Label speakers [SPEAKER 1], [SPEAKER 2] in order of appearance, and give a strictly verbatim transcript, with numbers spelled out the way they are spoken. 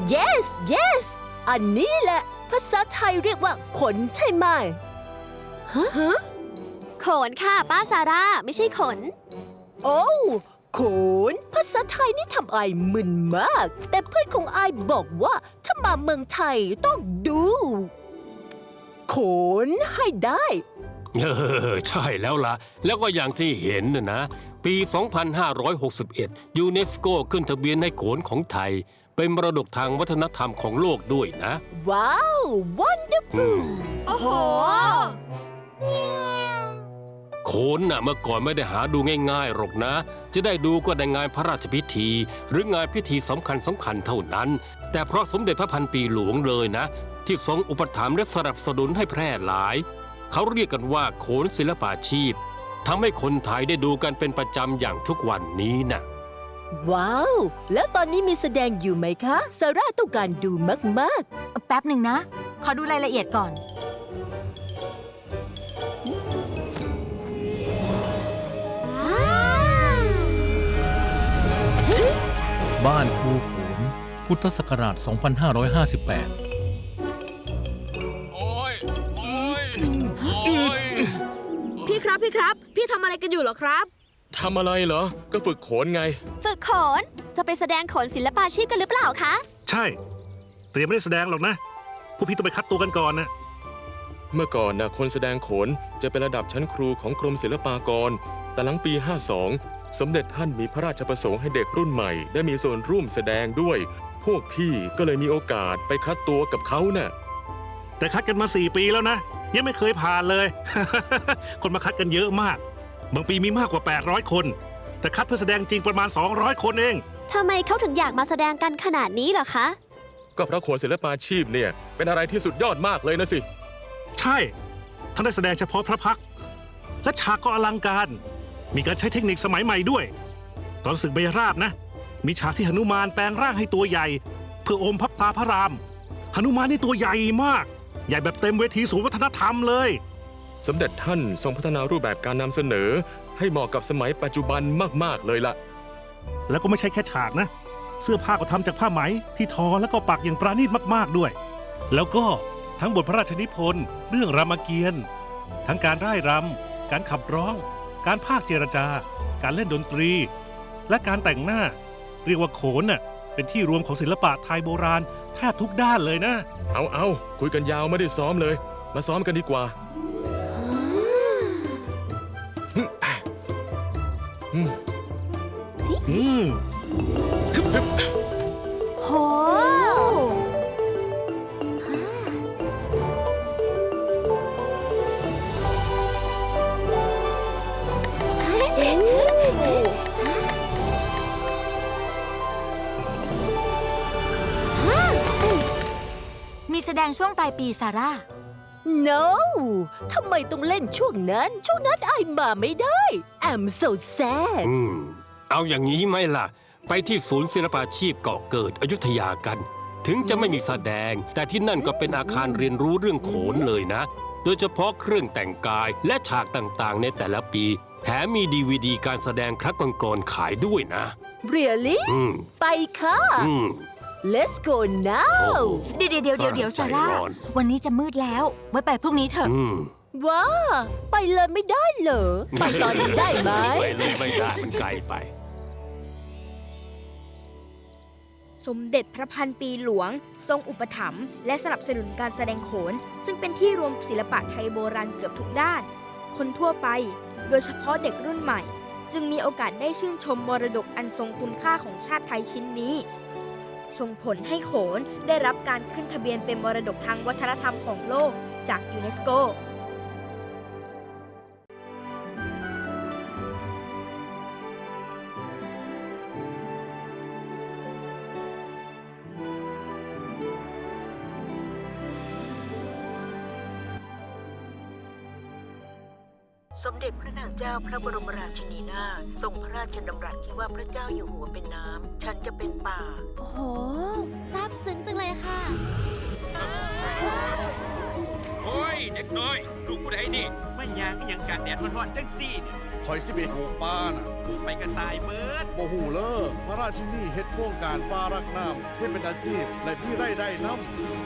[SPEAKER 1] yes yes อันนี้แหละภาษาไทยเรียกว่าขนใช่ไหมฮะฮะ
[SPEAKER 2] ขนค่ะป้าซาร่าไม่ใช่ขน
[SPEAKER 1] โอ้ขนภาษาไทยนี่ทำไอมึนมากแต่เพื่อนของไอบอกว่าถ้ามาเมืองไทยต้องดูขนให้ได้
[SPEAKER 3] เออใช่แล้วล่ะแล้วก็อย่างที่เห็นนะนะปี สองพันห้าร้อยหกสิบเอ็ด ยูเนสโกขึ้นทะเบียนให้โขนของไทยเป็นมรดกทางวัฒนธรรมของโลกด้วยนะ
[SPEAKER 1] ว้าว wonderful
[SPEAKER 2] โอ้โห
[SPEAKER 3] โขนน่ะเมื่อก่อนไม่ได้หาดูง่ายๆหรอกนะจะได้ดูก็ในงานพระราชพิธีหรืองานพิธีสำคัญสำคัญเท่านั้นแต่เพราะสมเด็จพระพันปีหลวงเลยนะที่ทรงอุปถัมภ์และสนับสนุนให้แพร่หลายเขาเรียกกันว่าโขนศิลปาชีพทำให้คนไทยได้ดูกันเป็นประจำอย่างทุกวันนี้นะ
[SPEAKER 1] ว้าวแล้วตอนนี้มีแสดงอยู่ไหมคะซาร่าต้องการดูมาก
[SPEAKER 4] ๆแป๊บหนึ่งนะขอดูรายละเอียดก่อน
[SPEAKER 5] บ้านครูโขนพุทธศักราช สองพันห้าร้อยห้าสิบแปด
[SPEAKER 3] โอ้ยโอ้ยโอ้ย
[SPEAKER 2] พี่ครับพี่ครับพี่ทำอะไรกันอยู่เหรอครับ
[SPEAKER 6] ทำอะไรเหรอก็ฝึกโขนไง
[SPEAKER 2] ฝึกโขนจะไปแสดงโขนศิลปาชีพกันหรือเปล่าคะ
[SPEAKER 7] ใช่แต่ยังไม่ได้แสดงหรอกนะพวกพี่ต้องไปคัดตัวกันก่อนนะ
[SPEAKER 6] เมื่อก่อนนะคนแสดงโขนจะเป็นระดับชั้นครูของกรมศิลปากรแต่หลังปีห้าสองสมเด็จท่านมีพระราชประสงค์ให้เด็กรุ่นใหม่ได้มีส่วนร่วมแสดงด้วยพวกพี่ก็เลยมีโอกาสไปคัดตัวกับเขาเนะ่ะ
[SPEAKER 7] แต่คัดกันมาสี่ปีแล้วนะยังไม่เคยผ่านเลย คนมาคัดกันเยอะมากบางปีมีมากกว่าแปดร้อยคนแต่คัดเพื่อแสดงจริงประมาณสองร้อยคนเอง
[SPEAKER 2] ทำไมเขาถึงอยากมาแสดงกันขนาดนี้เหรอคะ
[SPEAKER 6] ก็เพราะโขนศิลปาชีพเนี่ยเป็นอะไรที่สุดยอดมากเลยนะสิ
[SPEAKER 7] ใช่ท่านได้แสดงเฉพาะพระพักตร์และฉากก็อลังการมีการใช้เทคนิคสมัยใหม่ด้วยตอนศึกเบญราบนะมีฉากที่หนุมานแปลงร่างให้ตัวใหญ่เพื่ออมพระตาพระรามหนุมานนี่ตัวใหญ่มากใหญ่แบบเต็มเวทีศูนย์วัฒนธรรมเลย
[SPEAKER 6] สมเด็จท่านทรงพัฒนารูปแบบการนำเสนอให้เหมาะกับสมัยปัจจุบันมากๆเลยล่ะ
[SPEAKER 7] แล้วก็ไม่ใช่แค่ฉากนะเสื้อผ้าก็ทำจากผ้าไหมที่ทอแล้วก็ปักอย่างปราณีตมากๆด้วยแล้วก็ทั้งบทพระราชนิพนธ์เรื่องรามเกียรติ์ทั้งการร่ายรำการขับร้องการพากย์เจรจาการเล่นดนตรีและการแต่งหน้าเรียกว่าโขนน่ะเป็นที่รวมของศิลปะไทยโบราณแทบทุกด้านเลยนะ
[SPEAKER 6] เอาเอาคุยกันยาวไม่ได้ซ้อมเลยมาซ้อมกันดีกว่า
[SPEAKER 2] อืมโห
[SPEAKER 4] มีแสดงช่วงปลายปีซาร่า
[SPEAKER 1] no ทำไมต้องเล่นช่วงนั้นช่วงนั้นไอมาไม่ได้ I'm so sad
[SPEAKER 3] อืมเอาอย่างนี้ไหมล่ะไปที่ศูนย์ศิลปาชีพเกาะเกิดอยุธยากันถึงจะไม่มีแสดงแต่ที่นั่นก็เป็นอาคารเรียนรู้เรื่องโขนเลยนะโดยเฉพาะเครื่องแต่งกายและฉากต่างๆในแต่ละปีแถมมีดีวีดีการแสดงครั้งก่อนๆขายด้วยนะ
[SPEAKER 1] really ไปค่ะ Let's go now
[SPEAKER 4] เดี๋ยวเดี๋ยวเดี๋ยวเดี๋ยวซาร่าวันนี้จะมืดแล้วไว้ไปพรุ่งนี้เถอะ
[SPEAKER 1] ว้าไปเลยไม่ได้เหรอไปตอนนี้ได้ไหม
[SPEAKER 3] ไปเลยไม่ได้มันไกลไป
[SPEAKER 8] สมเด็จพระพันปีหลวงทรงอุปถัมภ์และสนับสนุนการแสดงโขนซึ่งเป็นที่รวมศิลปะไทยโบราณเกือบทุกด้านคนทั่วไปโดยเฉพาะเด็กรุ่นใหม่จึงมีโอกาสได้ชื่นชมมรดกอันทรงคุณค่าของชาติไทยชิ้นนี้ส่งผลให้โขนได้รับการขึ้นทะเบียนเป็นมรดกทางวัฒนธรรมของโลกจากยูเนสโก
[SPEAKER 9] สมเด็จพระนางเจ้าพระบรมราชินีนาถทรงพระราชดำรัสที่ว่าพระเจ้าอยู่หัวเป็นน้ำฉันจะเป็นป่า
[SPEAKER 2] โอ้โหซาบซึ้งจังเลยค่ะ
[SPEAKER 10] โอ้ยเด็กน้อยลูกผู้ใดนี่ไม่ยางก็ยังการแดดร้อนๆจังซี่นี่คอยสิเบหูป้าน่ะ
[SPEAKER 11] ไปกระต่ายเบิด
[SPEAKER 10] โมหูเลอพระราชินีเฮ็ดโครงการป้ารักน้ำเฮ็ดเป็นอาชีพและพี่ไร่ได้น้ำ